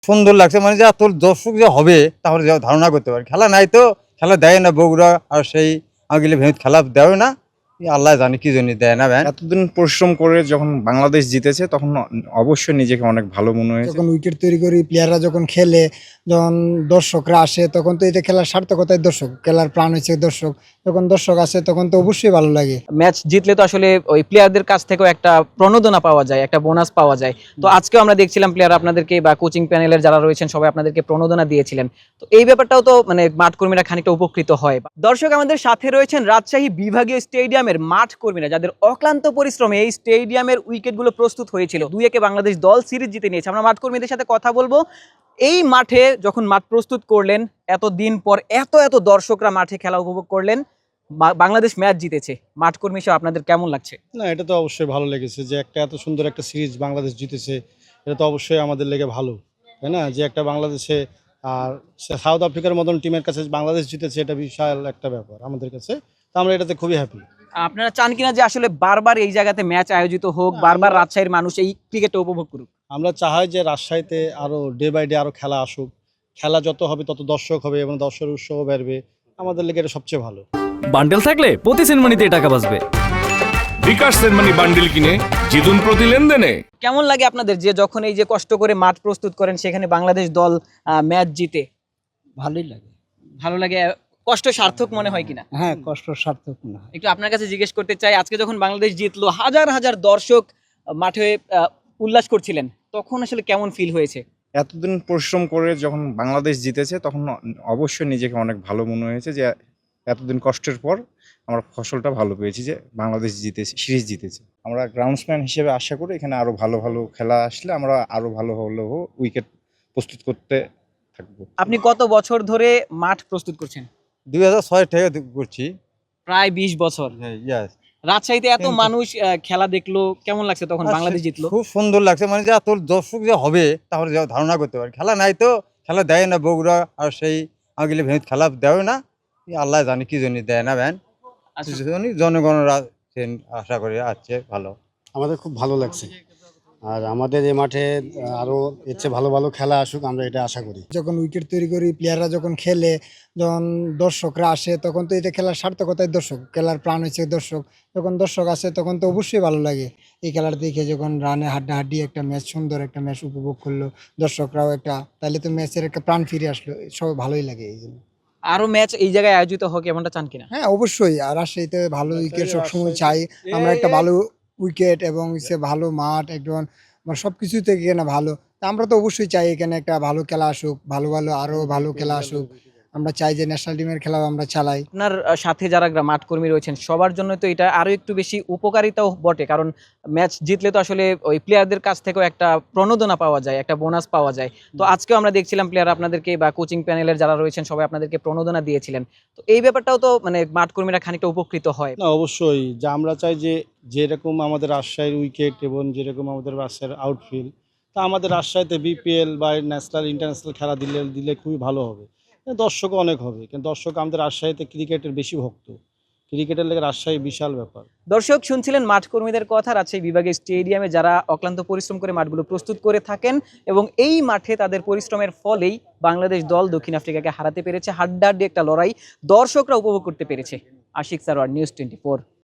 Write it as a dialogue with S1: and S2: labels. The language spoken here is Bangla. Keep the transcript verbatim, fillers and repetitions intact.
S1: সুন্দর লাগছে মানে যে এত দর্শক যে হবে তাহলে যা ধারণা করতে পারি। খেলা নাই তো, খেলা দেয় না বগুড়া আর সেই আগিলে ভেঙে খেলা দেয় না। এই আল্লাহ জানে কি জন্য দেয় না ভ্যান।
S2: এতদিন পরিশ্রম করে যখন বাংলাদেশ জিতেছে তখন অ অবশ্যই নিজেকে অনেক ভালো মনে হয়েছে।
S3: যখন উইকেট তৈরি করি, প্লেয়াররা যখন খেলে, যখন দর্শকরা আসে তখন তো এটা খেলার সার্থকতাই দর্শক, খেলার প্রাণ হচ্ছে দর্শক। যখন দর্শক আসে তখন তো অবশ্যই ভালো লাগে।
S4: ম্যাচ জিতলে তো আসলে ওই প্লেয়ারদের কাছ থেকেও একটা প্রণোদনা পাওয়া যায়, একটা বোনাস পাওয়া যায়। তো আজকেও আমরা দেখছিলাম প্লেয়ার আপনাদেরকে বা কোচিং প্যানেলের যারা রয়েছেন সবাই আপনাদেরকে প্রণোদনা দিয়েছিলেন। তো এই ব্যাপারটাও তো মানে মাঠ কর্মীরা খানিকটা উপকৃত হয়। দর্শক, আমাদের সাথে রয়েছেন রাজশাহী বিভাগীয় স্টেডিয়ামের মাঠ কর্মীরা, যাদের অক্লান্ত পরিশ্রমে এই স্টেডিয়ামের উইকেটগুলো প্রস্তুত হয়েছিল। দুই একে বাংলাদেশ দল সিরিজ জিতে নিয়েছে। আমরা মাঠ কর্মীদের সাথে কথা বলবো। এই মাঠে যখন মাঠ প্রস্তুত করলেন, এত দিন পর এত এত দর্শকরা মাঠে খেলা উপভোগ করলেন, বা- বাংলাদেশ ম্যাচ জিতেছে, মাঠ কর্মী হিসেবে আপনাদের কেমন লাগছে?
S5: না, এটা তো অবশ্যই ভালো লেগেছে যে একটা এত সুন্দর একটা সিরিজ বাংলাদেশ জিতেছে। এটা তো অবশ্যই আমাদের লেগে ভালো, তাই না? যে একটা বাংলাদেশে আর সাউথ আফ্রিকার মতন টিমের কাছে বাংলাদেশ জিতেছে, এটা বিশাল একটা ব্যাপার আমাদের কাছে। তো আমরা এটাতে খুবই হ্যাপি।
S4: আপনারা চান কিনা যে আসলে বারবার এই জায়গাতে ম্যাচ আয়োজিত হোক, বারবার রাজশাহীর মানুষ এই ক্রিকেটটা উপভোগ করুক?
S5: আমরা চাই যে রাজশাহীতে আরও ডে বাই ডে আরও খেলা আসুক। খেলা যত হবে তত দর্শক হবে এবং দর্শকের উৎসাহ বাড়বে। আমাদের লেগে এটা সবচেয়ে ভালো।
S6: বান্ডেল থাকলে প্রতি সেনমানিতে টাকা বাঁচবে।
S7: বিকাশ সেনমানি বান্ডিল কিনে জিতুন প্রতি লেনদেনে।
S4: কেমন লাগে আপনাদের যে যখন এই যে কষ্ট করে মাঠ প্রস্তুত করেন সেখানে বাংলাদেশ দল ম্যাচ জিতে?
S3: ভালোই লাগে।
S4: ভালো লাগে, কষ্ট সার্থক মনে হয় কিনা?
S3: হ্যাঁ, কষ্ট সার্থক না।
S4: একটু আপনার কাছে জিজ্ঞেস করতে চাই, আজকে যখন বাংলাদেশ জিতলো, হাজার হাজার দর্শক মাঠে আহ, উল্লাস করছিলেন, তখন আসলে কেমন ফিল হয়েছে?
S2: এতদিন পরিশ্রম করে যখন বাংলাদেশ জিতেছে তখন অ অবশ্যই নিজেকে অনেক ভালো মনে হয়েছে যে এতদিন কষ্টের পর আমরা ফসলটা ভালো পেয়েছি, যে বাংলাদেশ জিতেছে, সিরিজ জিতেছে। আমরা গ্রাউন্ডসম্যান হিসেবে আশা করি এখানে আরও ভালো ভালো খেলা আসলে আমরা আরও ভালো ভালো উইকেট প্রস্তুত করতে থাকবো।
S4: আপনি কত বছর ধরে মাঠ প্রস্তুত করছেন?
S1: দুই হাজার ছয় থেকে করছি।
S4: প্রায় বিশ বছর।
S1: ইয়াস,
S4: রাজশাহীতে এত
S1: কিন্তু-
S4: মানুষ আহ, খেলা দেখলো, কেমন লাগছে তখন বাংলাদেশ জিতলো?
S1: খুব সুন্দর লাগছে মানে যে এত দর্শক যে হবে তাহলে যা ধারণা করতে পারি। খেলা নাই তো, খেলা দেয় না বগুড়া আর সেই আগিলে ভেঙে খেলা দেয় না। এই আল্লাহ জানে কি জন্য দেয় না ভ্যান।
S4: আচ্ছা,
S1: জনগণরা আশা করি আছে ভালো।
S8: আমাদের খুব ভালো লাগছে, আর আমাদের এই মাঠে আরো এর চেয়ে ভালো ভালো খেলা আসুক, আমরা এটা আশা করি।
S3: যখন উইকেট তৈরি করি, প্লেয়াররা যখন খেলে, যখন দর্শকরা আসে তখন তো এটা খেলার সার্থকতাই দর্শক, খেলার প্রাণ হচ্ছে দর্শক। যখন দর্শক আসে তখন তো অবশ্যই ভালো লাগে এই খেলার দেখে। যখন রানে হাড্ডাহাড্ডি একটা ম্যাচ, সুন্দর একটা ম্যাচ উপভোগ করলো দর্শকরাও একটা, তাহলে তো ম্যাচের একটা প্রাণ ফিরে আসলো, সব ভালোই লাগে এই জন্য।
S4: আরো ম্যাচ এই জায়গায় আয়োজিত হোক এমনটা চান কিনা?
S3: হ্যাঁ, অবশ্যই। আর রাজশাহীতে ভালো উইকেট সবসময় চাই আমরা, একটা ভালো উইকেট এবং সে ভালো মাঠ একদম মানে সব কিছু থেকে না ভালো। তা আমরা তো অবশ্যই চাই এখানে একটা ভালো খেলা আসুক, ভালো ভালো আরো ভালো খেলা আসুক। আমরা চাই যে ন্যাশনাল টিমের খেলাও আমরা চালাই।
S4: আপনার আহ, সাথে যারা গ্রা- মাঠ কর্মী রয়েছেন সবার জন্য তো এটা আরো একটু বেশি উপকারিতাও বটে, কারণ ম্যাচ জিতলে তো আসলে ওই প্লেয়ারদের কাছ থেকেও একটা প্রণোদনা পাওয়া যায়, একটা বোনাস পাওয়া যায়। তো আজকেও আমরা দেখছিলাম প্লেয়ার আপনাদেরকে বা কোচিং প্যানেলের যারা রয়েছেন সবাই আপনাদেরকে প্রণোদনা দিয়েছিলেন। তো এই ব্যাপারটাও তো মানে মাঠ কর্মীরা খানিকটা উপকৃত হয়।
S5: না, অবশ্যই যে আমরা চাই যে যেরকম আমাদের রাজশাহীর উইকেট এবং যেরকম আমাদের রাজশাহীর আউটফিল্ড, তা আমাদের রাজশাহীতে বিপিএল বা ন্যাশনাল ইন্টারন্যাশনাল খেলা দিলে দিলে খুবই ভালো হবে। দর্শকও অনেক হবে, কিন্তু দর্শক আমাদের রাজশাহীতে ক্রিকেটের বেশি ভক্ত। ক্রিকেটের লেগে রাজশাহী বিশাল ব্যাপার।
S4: দর্শক, শুনছিলেন মাঠ কর্মীদের কথা। রাজশাহী বিভাগের স্টেডিয়ামে যারা অক্লান্ত পরিশ্রম করে মাঠগুলো প্রস্তুত করে থাকেন, এবং এই মাঠে তাদের পরিশ্রমের ফলেই বাংলাদেশ দল দক্ষিণ আফ্রিকাকে হারাতে পেরেছে। হাড্ডাহাড্ডি একটা লড়াই দর্শকরা উপভোগ করতে পেরেছে। Ashiq Sarwar, news twenty four.